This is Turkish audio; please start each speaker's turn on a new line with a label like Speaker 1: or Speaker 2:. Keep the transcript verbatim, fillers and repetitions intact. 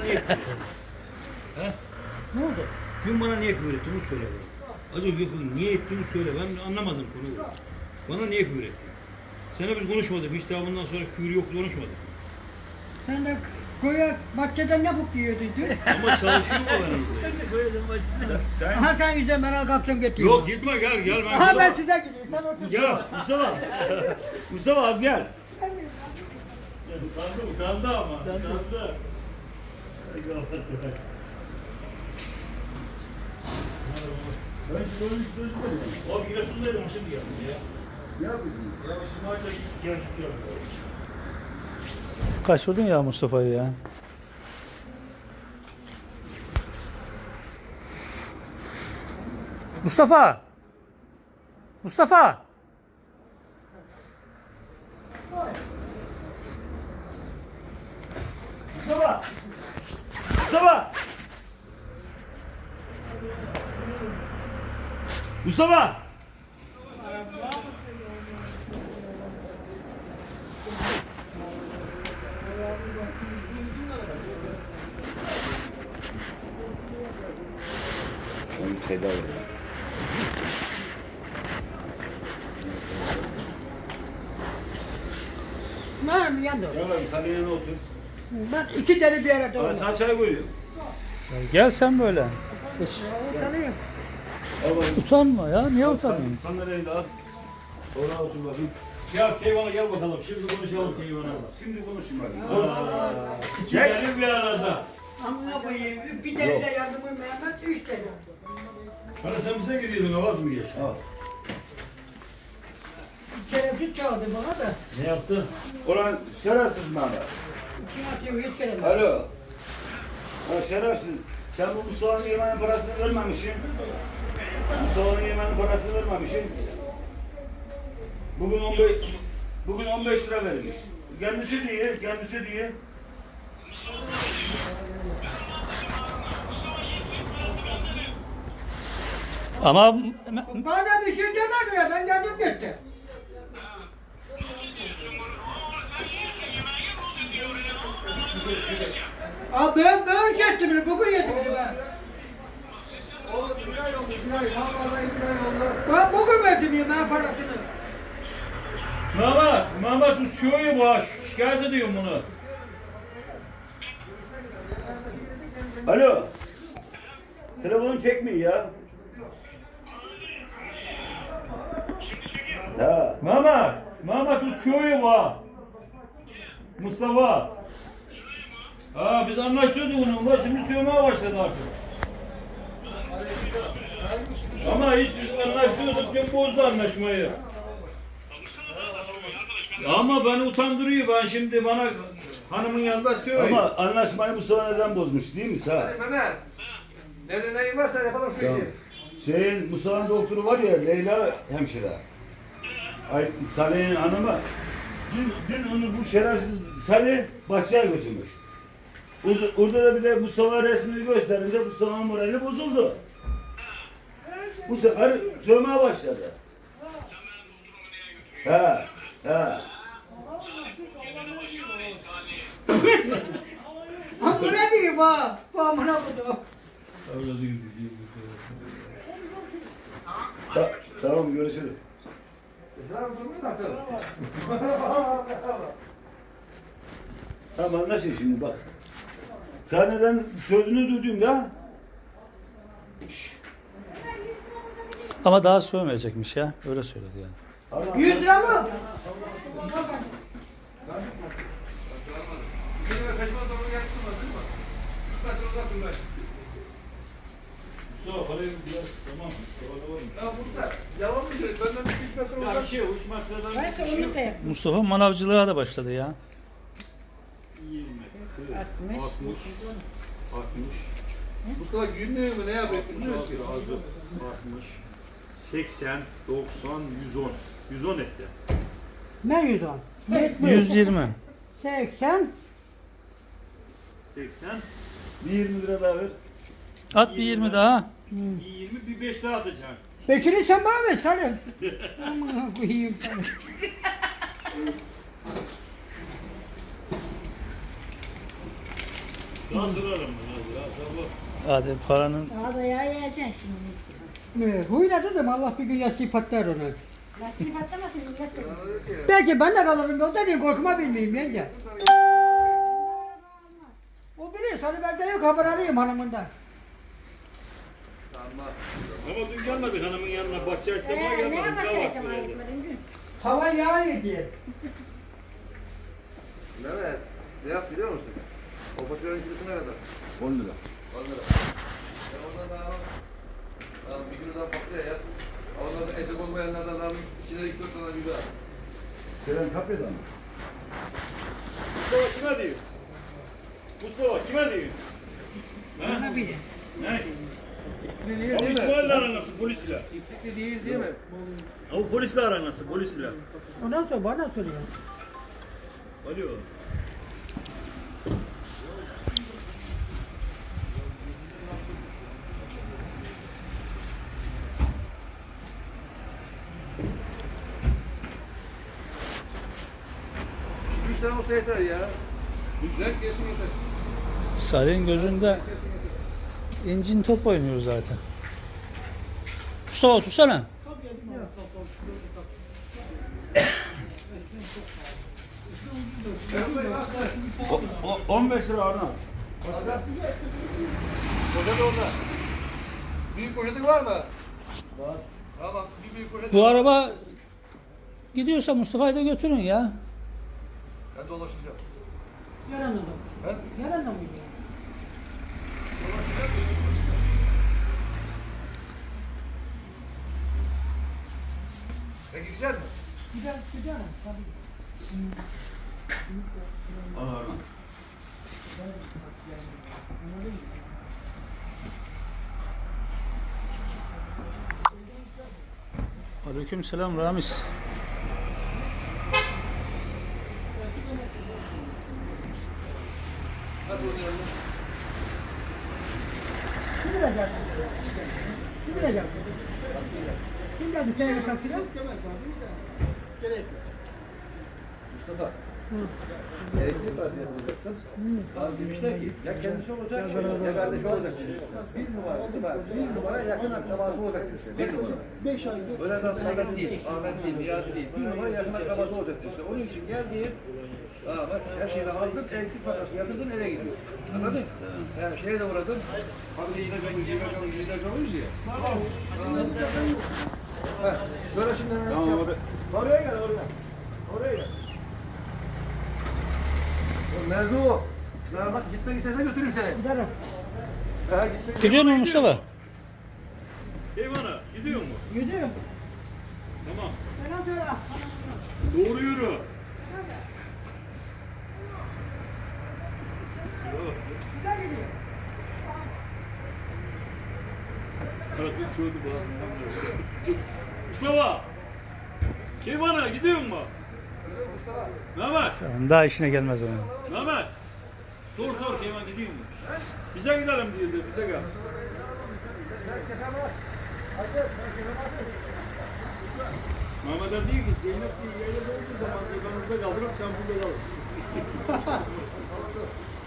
Speaker 1: niye küfür ettin? He?
Speaker 2: Ne oldu?
Speaker 1: Dün bana niye küfür ettin? Onu söyle bana. Az önce niye ettiğini söyle. Ben anlamadım konuyu. Bana niye küfür ettin? Seninle biz konuşmadık. Hiç daha bundan sonra küfür yoktu, konuşmadık.
Speaker 2: Sen de koya bahçeden ne bok yiyordun dün?
Speaker 1: Ama çalışıyor mu benim?
Speaker 3: Ben de koyalım başına.
Speaker 4: Sen
Speaker 2: Aha sen yüzden bana kalktın gittin.
Speaker 1: Yok gitme gel gel. Ben
Speaker 2: Aha ben size gideyim. Sen otur.
Speaker 4: gel Mustafa. Mustafa az gel.
Speaker 1: Kandı mı? Kandı ama. Kandı.
Speaker 4: Ben şimdi onu hiç gözümedim.
Speaker 1: O Giresun'daydım şimdi geldim ya.
Speaker 4: Ne yapıyorsun?
Speaker 1: Ya İsmail'le gittik geldik ya.
Speaker 5: Kaçırdın ya Mustafa'yı ya. Mustafa! Mustafa!
Speaker 4: Mustafa! Mustafa! Mustafa! Onu tedavi edin.
Speaker 2: Ben yandım.
Speaker 4: Gel abi sen yanına otur.
Speaker 2: Ben iki deli bir arada
Speaker 4: Abi
Speaker 2: oldum.
Speaker 4: sana çay koyuyorum.
Speaker 5: Ya gel sen böyle. Hiç
Speaker 2: Utanıyorum.
Speaker 4: Al bakayım.
Speaker 5: utanma ya. Niye utanıyorsun?
Speaker 4: Sen sandalyeyi de al. Oraya otur bakayım.
Speaker 1: Ya Keyvan'a gel bakalım. Şimdi konuşalım Keyvan'a.
Speaker 4: Şimdi konuşayım hadi.
Speaker 1: İki deli bir arada.
Speaker 2: Amına koyayım. Bir deli de yardımı Mehmet, üç deli.
Speaker 1: Hani sen bize gidiyordun, avaz mı geçti?
Speaker 4: Al.
Speaker 2: Şerefsiz çaldı bana da.
Speaker 1: Ne yaptı?
Speaker 4: Ulan şerefsiz Mehmet.
Speaker 2: İki atıyor, yüz kere.
Speaker 4: Alo. Ha şerefsiz. Sen bu Mustafa'nın yemeğinin parasını vermemişsin. Mustafa'nın yemeğinin parasını vermemişsin. Bugün on beş, bugün on beş lira verilmiş. Kendisi diye, kendisi diye.
Speaker 5: Ama
Speaker 2: Bana bir şey demediler, ben geldim gitti. Abi ben böyle şey ettim, bugün yedim ben. Ben bugün verdim yemeğin parasını.
Speaker 1: Mehmet, Mehmet uçuyor bu ha. Şikayet ediyorum bunu.
Speaker 4: Alo. Telefonun çekmiyor ya. Ha.
Speaker 1: Mehmet, Mehmet uçuyor bu ha. Mustafa. Ha biz anlaşıyorduk onunla, şimdi sövmeye başladı artık. Ama hiç biz anlaşıyorduk, dün bozdu anlaşmayı. Ama beni utandırıyor, ben şimdi bana hanımın yanında söylüyor.
Speaker 4: Ama anlaşmayı Mustafa neden bozmuş değil mi sağ?
Speaker 6: Mehmet. Nerede neyin varsa yapalım şu işi.
Speaker 4: Şeyin Mustafa'nın doktoru var ya Leyla hemşire. Ay Salih'in hanımı. Dün, dün onu bu şerefsiz Salih bahçeye götürmüş. Orada, orada da bir de Mustafa resmini gösterince Mustafa'nın morali bozuldu. Bu sefer sövmeye başladı. He, he.
Speaker 2: Ha bu ne diyeyim ha? Bu amına koydum.
Speaker 4: Ta, tamam görüşürüz. Tamam anlaşın şimdi bak. Sahneden sözünü duydum ya.
Speaker 5: ama daha sövmeyecekmiş ya. Öyle söyledi yani.
Speaker 4: Tamam.
Speaker 2: Yüz lira mı?
Speaker 1: Mustafa parayı biraz tamam. Mustafa var mı?
Speaker 6: Ya burada yalan mı söylüyor? Benden bir üç metre
Speaker 1: Ya
Speaker 6: uzak.
Speaker 1: bir şey yok, üç metreden bir şey yok.
Speaker 5: Mustafa manavcılığa da başladı ya.
Speaker 1: yirmi, kırk, altmış, altmış,
Speaker 6: Mustafa günlüğü mü ne yapıyor? Bilmiyoruz ki.
Speaker 1: altmış, seksen, doksan, yüz on. yüz on etti.
Speaker 2: Ne yüz on?
Speaker 5: yüz yirmi.
Speaker 2: seksen.
Speaker 1: seksen,
Speaker 4: Bir yirmi lira daha ver.
Speaker 5: At bir yirmi daha.
Speaker 1: bir yirmi, bir beş daha atacaksın.
Speaker 2: Beşini sen bana ver Salim. Amına koyayım.
Speaker 1: Daha sırarım ben. Daha sabah.
Speaker 5: Hadi paranın
Speaker 7: Arabaya yiyeceksin şimdi Mustafa.
Speaker 2: Ee, Huyla dedim Allah bir gün yastığı patlar ona.
Speaker 7: Lastik patlamasın millet de.
Speaker 2: Belki ben de kalırım yolda diye korkma bilmeyeyim yenge. O biliyor sana ben de yok haber arayayım hanımından.
Speaker 1: Ama dün gelmedik hanımın yanına. Bahçe açtırmaya
Speaker 7: Ee, ne
Speaker 1: gelmedik.
Speaker 7: yapacaktım
Speaker 1: Kahvaltı
Speaker 7: ayıpmadın dün?
Speaker 2: Hava yağıyor diye.
Speaker 6: Mehmet ne yap biliyor musun? O faturanın kilosu ne kadar?
Speaker 4: on lira.
Speaker 6: on lira. Ya ondan daha al. Bir kilodan patlıyor ya. Ondan da etek olmayanlardan al. İçine iki dört tane biber.
Speaker 4: Selen kapıda mı?
Speaker 1: Mustafa kime diyor? Mustafa kime diyor?
Speaker 2: Bana bile.
Speaker 1: Ne?
Speaker 6: Değil
Speaker 1: Abi
Speaker 6: değil mi?
Speaker 1: İsmail'le aran nasıl polisle?
Speaker 6: İplikli değil değil mi?
Speaker 1: Abi polisle aran nasıl polisle?
Speaker 2: Ondan sonra bana soruyor.
Speaker 1: Alo.
Speaker 6: Üç tane olsa yeter ya. Güzel kesin yeter.
Speaker 5: Salih'in gözünde incin top oynuyor zaten. Mustafa otursana.
Speaker 4: O, o, on beş lira Arnavut.
Speaker 6: Poşet orada. Büyük poşetin var mı? Var. Tamam. Bir büyük poşet.
Speaker 5: Bu araba gidiyorsa Mustafa'yı da götürün ya.
Speaker 6: Ben dolaşacağım.
Speaker 2: Yalan adam.
Speaker 6: He?
Speaker 2: Yalan adam mı?
Speaker 6: Sen gidecek misin?
Speaker 2: Gider, gider. Tabii.
Speaker 4: Al Arnavut.
Speaker 5: Aleyküm selam Ramiz.
Speaker 6: Hadi o yanına.
Speaker 2: Kim bilecek? Kim bilecek? Kim geldi seyre kalkıyor?
Speaker 6: Mustafa. Elektrik parası yapılacaktın. Abi demişler ki ya kendisi olacak ya kardeşi olacak. Bir numara, bir numara, bir numara yakın akrabası olacak demişler. Bir numara. Beş ay. Öyle adamlardan değil, Ahmet değil, Niyazi değil. Bir numara yakın akrabası olacak demişler. Onun için geldi. Aa bak her şeyini aldın, elektrik parası yatırdın eve gidiyor. Anladın? Yani şeye de uğradın. Abi ilaç alıyoruz, ilaç alıyoruz, ilaç alıyoruz ya. Heh, şöyle şimdi hemen
Speaker 4: Tamam
Speaker 6: yap.
Speaker 4: abi.
Speaker 6: Oraya gel, oraya. Oraya gel. Merzu. Ya bak gitmek istersen götürürüm seni.
Speaker 2: Giderim.
Speaker 6: Ha gitmek
Speaker 5: Gidiyor mu Mustafa?
Speaker 1: Eyvana gidiyor mu?
Speaker 2: Gidiyorum.
Speaker 1: Tamam.
Speaker 2: Selam söyle.
Speaker 1: Doğru yürü.
Speaker 2: Gider gidiyor.
Speaker 1: Karakol söyledi bana. Mustafa! Eyvana gidiyor mu? Mehmet!
Speaker 5: Daha işine gelmez onun.
Speaker 1: Mehmet! Sor sor Keyman gidiyor mu? Bize gidelim diyordu, bize gelsin. Mehmet'e diyor ki Zeynep diye yayla olduğu zaman yanımızda kaldırıp sen burada kalırsın.